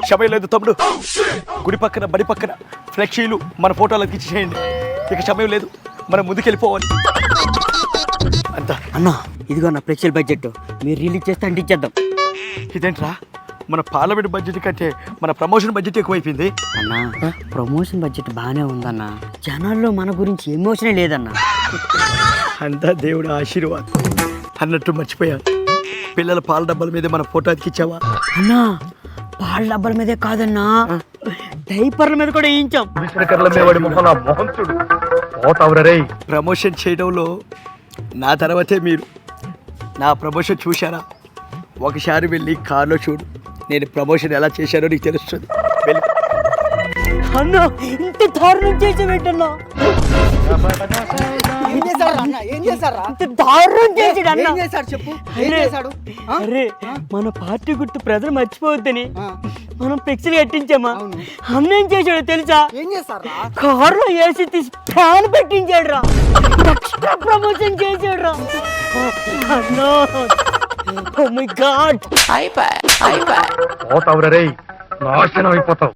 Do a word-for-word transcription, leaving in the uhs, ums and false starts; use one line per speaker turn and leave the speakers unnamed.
క్షమ లేదు తమ్ముడు. గుడి పక్కన బడి పక్కన ఫ్లెక్సీలు మన ఫోటోలకు ఇచ్చేయండి. ఇక సమయం లేదు, మనం ముందుకెళ్ళిపోవాలి. అంతా
అన్న ఇదిగో నా ఫ్లెక్సీల బడ్జెట్ మీరు రిలీజ్ చేస్తే అంటించేద్దాం.
ఇదేంట్రా, మన పార్లమెంట్ బడ్జెట్ కంటే మన ప్రమోషన్ బడ్జెట్ ఎక్కువైపోయింది.
అన్న ప్రమోషన్ బడ్జెట్ బాగానే ఉందన్న, జనాల్లో మన గురించి ఎమోషనే లేదన్న.
అంతా దేవుడు ఆశీర్వాదం. అన్నట్టు మర్చిపోయాను, పిల్లల పాల డబ్బాల మీద మన ఫోటో అతికిచ్చావా?
అన్నా పాల డబ్బాల మీదే కాదన్నా, డైపర్ల మీద కూడా వేయించాం. ప్రమోషన్ చేయడంలో నా తర్వాతే మీరు. నా ప్రమోషన్ చూశారా? ఒకసారి వెళ్ళి కార్లో చూడు, నేను ప్రమోషన్ ఎలా చేశానో నీకు తెలుస్తుంది. వెళ్ళి అన్న ఇంత దారుణం చేసి పెట్టన్నా, ఇంత దారుణం చేసాడు అన్న.
చెప్పు
అరే మన పార్టీ గుర్తు ప్రజలు మర్చిపోవద్దని మనం ఫ్లెక్సీలు కట్టించామా? అన్న ఏం చేశాడో తెలుసా?
ఏం చేస్తారా?
కారులో ఏసీ తీసి ఫ్యాన్ పెట్టించాడు రా, ఎక్స్ట్రా ప్రమోషన్ చేశాడు రా. అన్నో ఓ మై గాడ్,
నాశనం అయిపోతావు.